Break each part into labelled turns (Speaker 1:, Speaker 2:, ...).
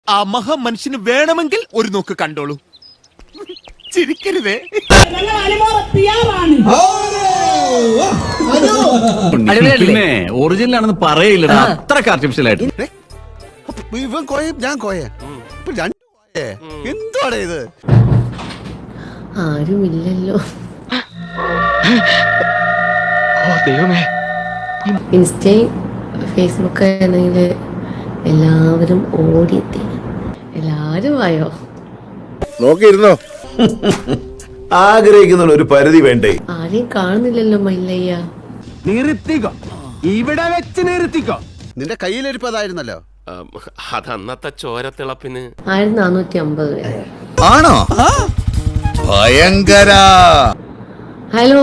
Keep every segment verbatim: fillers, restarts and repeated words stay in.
Speaker 1: ആ മഹാമനുഷ്യന് വേണമെങ്കിൽ ഒരു നോക്ക് കണ്ടോളൂ. ചിരിക്കരുതേ.
Speaker 2: പിന്നെ ഒറിജിനൽ ആണെന്ന് പറയില്ലടാ, അത്രക്ക് ആർട്ടിഫിഷ്യൽ ആയിട്ട്.
Speaker 3: ഇവൻ കോയ ഞാൻ കോയ എന്താണ് ഇത്?
Speaker 4: ആരുമില്ലല്ലോ. ഇൻസ്റ്റയും ഫേസ്ബുക്ക് ആണെങ്കിൽ എല്ലാവരും ഓടിയെത്തി. എല്ലാവരും ആയോ?
Speaker 5: നോക്കിയിരുന്നോ? ആഗ്രഹിക്കുന്ന ഒരു പരിധി വേണ്ടേ?
Speaker 4: ആരെയും കാണുന്നില്ലല്ലോ മല്ലയ്യ.
Speaker 2: നിർത്തിക്കോ, ഇവിടെ വെച്ച് നിർത്തിക്കോ.
Speaker 3: നിന്റെ കയ്യിലിരിപ്പതായിരുന്നല്ലോ.
Speaker 6: അതന്നത്തെ ചോരത്തിളപ്പിന്
Speaker 4: ആയിരത്തി നാനൂറ്റി അമ്പത് പേര്.
Speaker 5: ആണോ? ഭയങ്കര.
Speaker 4: ഹലോ,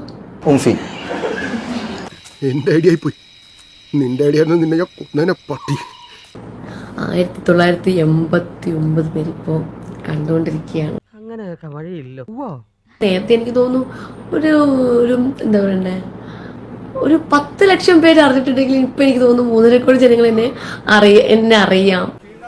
Speaker 7: എന്റെ ഐഡിയ പോയി. നിന്റെ ഐഡിയ നിന്നെ ഞാൻ കൊന്നേനെ പട്ടി.
Speaker 4: ആയിരത്തി തൊള്ളായിരത്തി എൺപത്തി ഒമ്പത് പേര് ഇപ്പോ കണ്ടുകൊണ്ടിരിക്കുകയാണ്.
Speaker 8: അങ്ങനെയൊക്കെ വഴിയില്ലോ.
Speaker 4: നേരത്തെ എനിക്ക് തോന്നുന്നു ഒരു ഒരു എന്താ പറയണ്ടേ, ഒരു പത്ത് ലക്ഷം പേര് അറിഞ്ഞിട്ടുണ്ടെങ്കിൽ ഇപ്പൊ എനിക്ക് തോന്നുന്നു മൂന്നര കോടി ജനങ്ങൾ എന്നെ അറിയ എന്നെ അറിയാം.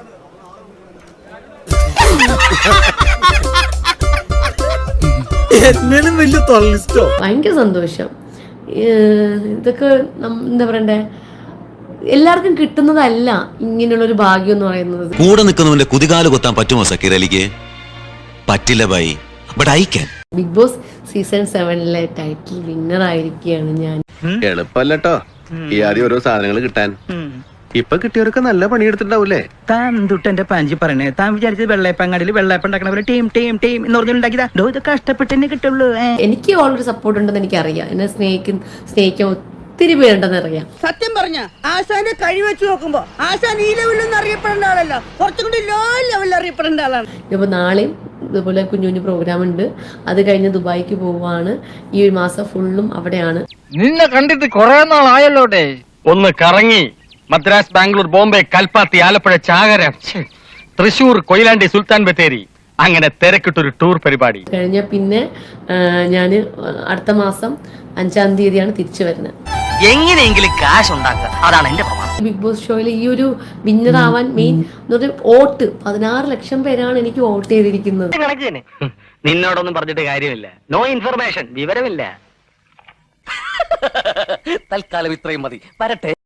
Speaker 4: ഭയങ്കര സന്തോഷം. ഇതൊക്കെ എന്താ പറയണ്ടേ, എല്ലാവർക്കും കിട്ടുന്നതല്ല ഇങ്ങനെയുള്ളൊരു ഭാഗ്യം എന്ന് പറയുന്നത്.
Speaker 9: കൂടെ നിൽക്കുന്നവന്റെ കുതികാല് കൊത്താൻ പറ്റുമോ സക്കീർ അലിക്ക്? പറ്റില്ല bye, but I can.
Speaker 4: Bigg Boss season സെവനിലെ ടൈറ്റിൽ വിന്നർ ആയിരിക്കുകയാണ് ഞാൻ.
Speaker 10: എളുപ്പല്ലോ ഈ ആദ്യം ഓരോ സാധനങ്ങൾ കിട്ടാൻ. ഇപ്പൊ കിട്ടിയവരൊക്കെ നല്ല പണിയെടുത്തിട്ടുണ്ടാവൂലേ?
Speaker 8: താൻ തൊട്ടെന്റെ പാഞ്ചി പറയണേ. താൻ വിചാരിച്ചത് വെള്ളയപ്പങ്ങാടിയിൽ വെള്ളയപ്പം ഉണ്ടാക്കണ ടീം ടീം ടീം എന്ന് പറഞ്ഞുണ്ടാക്കിയതാ. ഇത് കഷ്ടപ്പെട്ടെന്നെ കിട്ടുള്ളൂ.
Speaker 4: എനിക്ക് ഓൾറെഡി സപ്പോർട്ട് ഉണ്ടെന്ന് എനിക്കറിയാം. എന്നെ സ്നേഹിക്കും സ്നേഹിക്കാൻ ഒത്തിരി പേരുണ്ടെന്ന് അറിയാം.
Speaker 11: സത്യം പറഞ്ഞ ആശാന്റെ കഴിവ് വെച്ച് നോക്കുമ്പോ ആശാൻ ഈ ലെവലിലൊന്നും അറിയപ്പെടേണ്ട ആളല്ല, കുറച്ചും കൂടി ലോ ലെവലിൽ അറിയപ്പെടേണ്ട ആളാണ്.
Speaker 4: ഇപ്പൊ നാളെയും ഇതുപോലെ കുഞ്ഞു കുഞ്ഞു പ്രോഗ്രാം ഉണ്ട്. അത് കഴിഞ്ഞ് ദുബായിക്ക് പോവാണ്. ഈ ഒരു മാസം ഫുള്ളും അവിടെയാണ്.
Speaker 12: നിന്നെ കണ്ടിട്ട് കുറെ നാളായല്ലോടെ. ഒന്ന് കറങ്ങി മദ്രാസ്, ബാംഗ്ലൂർ, ബോംബെ, കൽപ്പാത്തി, ആലപ്പുഴ, ചാകര, തൃശൂർ, കൊയിലാണ്ടി, സുൽത്താൻ ബത്തേരി, അങ്ങനെ തിരക്കിട്ടൊരു ടൂർ പരിപാടി
Speaker 4: കഴിഞ്ഞ പിന്നെ ഞാൻ അടുത്ത മാസം അഞ്ചാം തീയതിയാണ് തിരിച്ചു വരുന്നത്.
Speaker 8: എങ്ങനെയെങ്കിലും കാശ് ഉണ്ടാക്കുക, അതാണ് എന്റെ പ്രമാണം.
Speaker 4: ബിഗ് ബോസ് ഷോയിൽ ഈ ഒരു വിന്നർ ആവാൻ മെയിൻ വോട്ട് പതിനാറ് ലക്ഷം പേരാണ് എനിക്ക് വോട്ട് ചെയ്തിരിക്കുന്നത്.
Speaker 8: നിന്നോടൊന്നും പറഞ്ഞിട്ട് കാര്യമില്ല. നോ ഇൻഫർമേഷൻ, വിവരമില്ല. തൽക്കാലം ഇത്രയും മതി. വരട്ടെ.